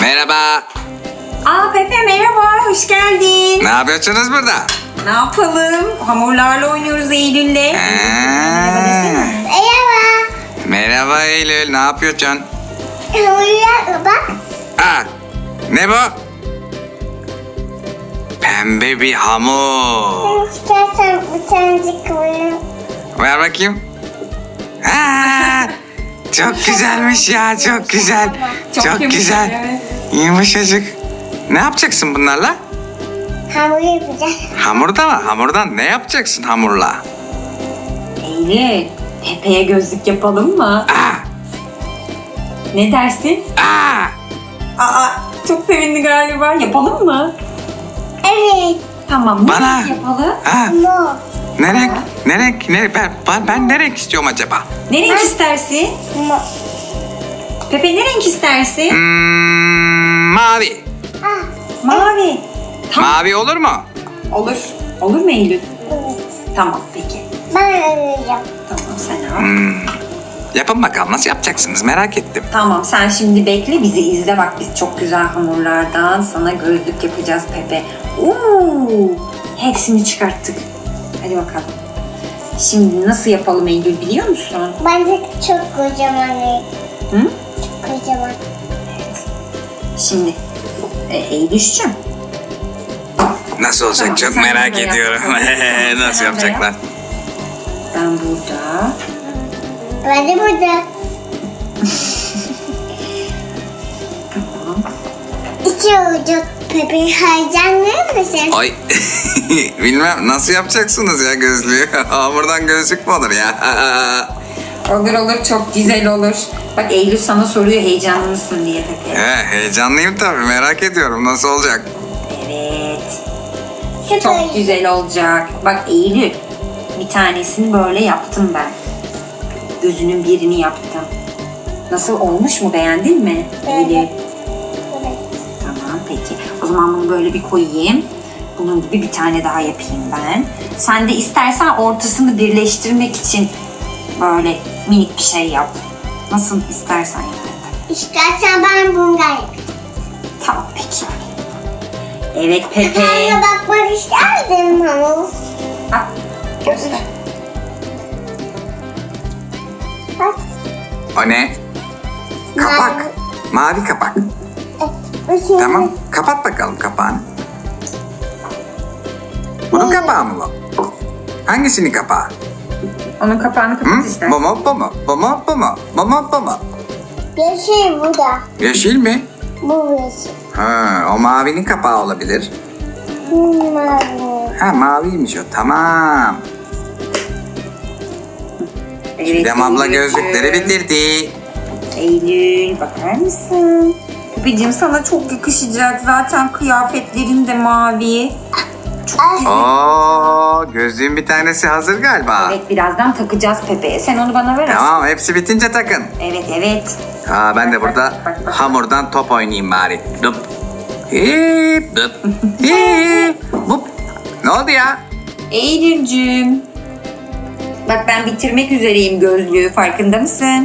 Merhaba. Aa Pepe merhaba, hoş geldin. Ne yapıyorsunuz burada? Ne yapalım? Hamurlarla oynuyoruz Eylül'le. Merhaba desene. Merhaba. Merhaba Eylül, ne yapıyorsun? Hamurlar bak. Aa, ne bu? Pembe bir hamur. Sen istersen bir tanecik koyayım. Ver bakayım. Aa, çok güzelmiş ya, çok güzel. Çok yumuşak, güzel. evet. Yumuşacık. Ne yapacaksın bunlarla? Hamur yapacağız. Hamurda mı? Hamurdan ne yapacaksın hamurla? Eylül, Pepe'ye gözlük yapalım mı? Aa, Ne dersin? aa. Aa, çok sevindi galiba. Yapalım mı? Evet. Tamam, ne Bana. renk yapalım? Aa, Mor. ne renk? Ne renk? Ben ne renk istiyorum acaba? Ne renk istersin? Mor. Pepe ne renk istersin? Mavi. Ah, Mavi. Tamam. Mavi olur mu? Olur. Olur mu Eylül? evet. Tamam peki. Ben arayacağım. Tamam sen al. Yapın bakalım, nasıl yapacaksınız, merak ettim. Tamam sen şimdi bekle bizi izle bak biz çok güzel hamurlardan sana gözlük yapacağız Pepe. Oo, hepsini çıkarttık. Hadi bakalım. Şimdi nasıl yapalım Eylül biliyor musun? Bence çok kocaman. Hı? Çok kocaman. Şimdi Eylül'cüğüm. Nasıl olacak Tamam, çok sen merak burada yap. ediyorum. Tamam, sen Nasıl orada yapacaklar? yap. Ben burada. Ben de burada. İki olacak Pepe. Heyecanlı mısın? Ay bilmem nasıl yapacaksınız ya gözlüğü. Hamurdan gözlük mü olur ya? Olur olur çok güzel olur. Bak Eylül sana soruyor heyecanlı mısın diye Pepe. Heyecanlıyım tabii, merak ediyorum nasıl olacak. Evet. Çok Çok güzel olacak. Bak Eylül, bir tanesini böyle yaptım ben. Gözünün birini yaptım. Nasıl olmuş mu? Beğendin mi Eylül? Evet. Tamam peki. O zaman bunu böyle bir koyayım. Bunun gibi bir tane daha yapayım ben. Sen de istersen ortasını birleştirmek için böyle minik bir şey yap. Nasıl istersen yap. İstersen ben bunu yapayım. Tamam peki. Evet Ben Pepe. de bakmak isterdim hamur. Bak, göster. Bak. O ne? Kapak. Mavi kapak. Bu Tamam, kapat bakalım kapağını. Bunun kapağı mı bu? Hangisinin kapağı? Onun kapağını Hı? kapat istersen. Bu mu, bu mu? Bu mu, bu mu? Bu mu, bu mu? yeşil bu da. Yeşil mi? Bu yeşil. Ha, o mavinin kapağı olabilir. Bu mavi. Ha, maviymiş o, tamam. Evet, Çiğdem abla Eylül'cüğüm. gözlükleri bitirdi. Eylül bakar mısın? Pepeciğim sana çok yakışacak. Zaten kıyafetlerin de mavi. Oo, gözlüğün bir tanesi hazır galiba. Evet birazdan takacağız Pepe'ye. Sen onu bana ver. aşkım. Tamam, hepsi bitince takın. Evet evet. Aa, ben de burada Bak, bak. hamurdan top oynayayım bari. Dup. Hip, dup. Hip, bup. Ne oldu ya? Eylül'cüğüm. Bak ben bitirmek üzereyim gözlüğü. Farkında mısın?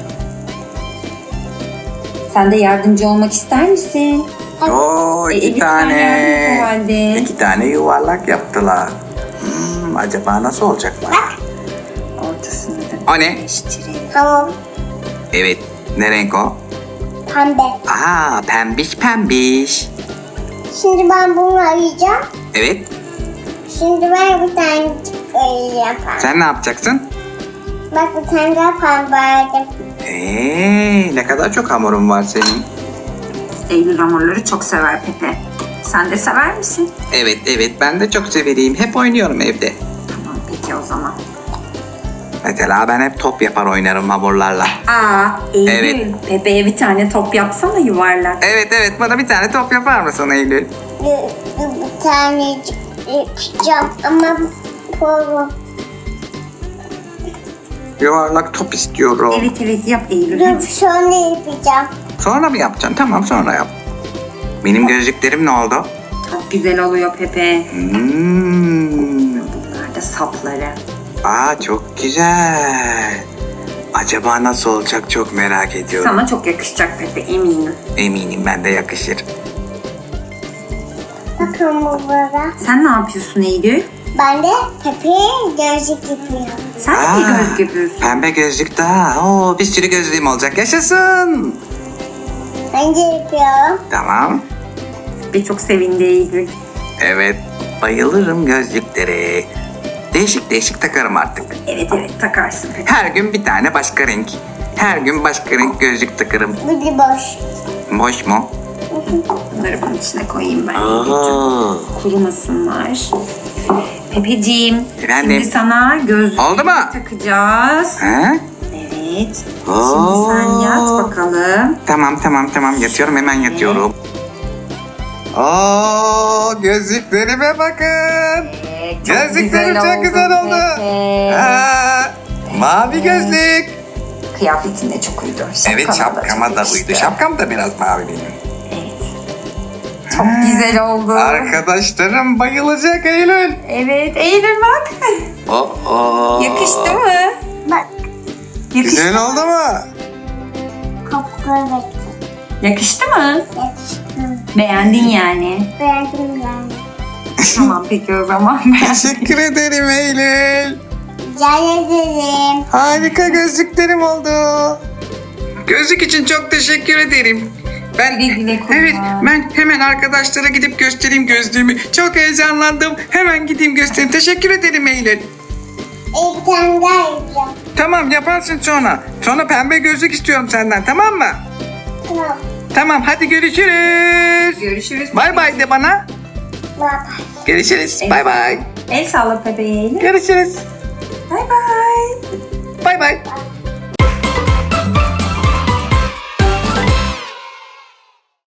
Sen de yardımcı olmak ister misin? Oo, iki Elif, sen yardım et o halde. İki tane yuvarlak yaptılar. Acaba nasıl olacaklar? Ortasını da O ne? birleştirelim. Hamur. Evet. Ne renk o? Pembe. Aa, pembiş pembiş. Şimdi ben bunu arayacağım. Evet. Şimdi ben bir tane yapayım. Sen ne yapacaksın? Bak bir tane daha pembe aradım. Ne kadar çok hamurun var senin. Eylül hamurları çok sever Pepe. Sen de sever misin? Evet evet, ben de çok severiyim. Hep oynuyorum evde. Tamam peki o zaman. Mesela ben hep top yapar oynarım hamurlarla. Aa Eylül. Evet. Pepe'ye bir tane top yapsana yuvarlak. Evet evet, bana bir tane top yapar mısın Eylül? Bir tane yapacağım ama bu. Yuvarlak top istiyorum. Evet evet yap Eylül. Dur Hadi. sonra yapacağım. Sonra mı yapacaksın? Tamam, sonra yap. Benim gözlüklerim ne oldu? Çok güzel oluyor Pepe. Hmm. Bunlar da sapları. Aa, çok güzel. Acaba nasıl olacak çok merak ediyorum. Sana çok yakışacak Pepe, eminim. Eminim ben de yakışır. Bakın burada. Sen ne yapıyorsun Eylül? Ben de Pepe'ye gözlük yapıyorum. Sen de Aa, bir göz yapıyorsun. Pembe gözlük daha. Oo, bir sürü gözlüğüm olacak. Yaşasın. Ben de yapıyorum. Tamam. Ve çok sevindi Eylül. Evet. Bayılırım gözlüklere. Değişik değişik takarım artık. Evet takarsın Pepe. Her gün bir tane başka renk. Her gün başka renk gözlük takarım. Bu da boş. Boş mu? Bunları bunun içine koyayım ben. Oo. Kurumasınlar. Pepeciğim, Efendim? şimdi sana gözlüğü Oldu mu? takacağız. Ha? Evet. Oo. Şimdi sen yat bakalım. Tamam. Yatıyorum, hemen yatıyorum. Oo, gözlüklerime bakın. Gözlüklerim çok güzel oldu. Pepe. Aa, mavi gözlük. Kıyafetin de çok uydu. Evet, şapkama çok da yakıştı. uydu. Şapkam da biraz mavi benim. Evet. Çok güzel oldu. Arkadaşlarım bayılacak Eylül. Evet, Eylül bak. Oo. Yakıştı mı? Bak. Yakıştı. Güzel oldu mu? Kopukları bekliyorum. Yakıştı mı? Yakıştım. Beğendin yani. Beğendim yani. Tamam peki o zaman. Teşekkür ederim Eylül. Rica ederim. Harika gözlüklerim oldu. Gözlük için çok teşekkür ederim. Ben Güle güle kullan. evet, ben hemen arkadaşlara gidip göstereyim gözlüğümü. Çok heyecanlandım. Hemen gideyim göstereyim. Teşekkür ederim Eylül. Bir tane daha yapacağım. Tamam, yaparsın sonra. Sonra pembe gözlük istiyorum senden, tamam mı? Tamam. Tamam, hadi görüşürüz. Görüşürüz. Bay bay de bana. Bye. Görüşürüz. Bay bay. El salla Pepe'ye Eylül. Görüşürüz. Bay bay. Bay bay.